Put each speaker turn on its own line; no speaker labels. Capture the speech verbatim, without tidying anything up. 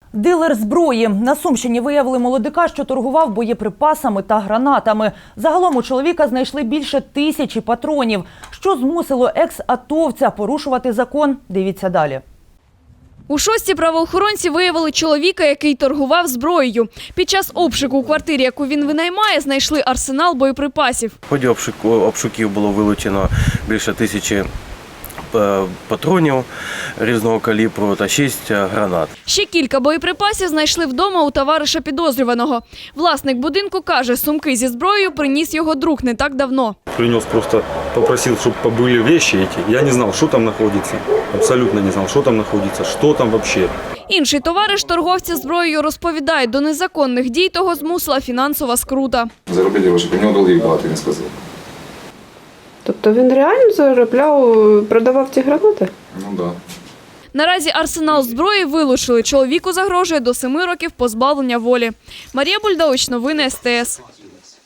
Дилер зброї. На Сумщині виявили молодика, що торгував боєприпасами та гранатами. Загалом у чоловіка знайшли більше тисячі патронів. Що змусило екс-атовця порушувати закон? Дивіться далі.
У Шостці правоохоронці виявили чоловіка, який торгував зброєю. Під час обшуку у квартирі, яку він винаймає, знайшли арсенал боєприпасів.
В ході обшуку, обшуків було вилучено більше тисячі патронів різного калібру та шість гранат.
Ще кілька боєприпасів знайшли вдома у товариша підозрюваного. Власник будинку каже, сумки зі зброєю приніс його друг не так давно.
Принес, просто попросил, чтобы побыли вещи эти. Я не знал, что там находится. Абсолютно не знал, что там находится, что там вообще.
Інший товариш торговця зброєю розповідає, до незаконних дій того змусила фінансова скрута.
Заробити гроші, у нього долгів багато, він сказав.
Тобто він реально заробляв, продавав ці гранати?
Ну так. Да.
Наразі арсенал зброї вилучили. Чоловіку загрожує до семи років позбавлення волі. Марія Бульдович, новини ес те ес.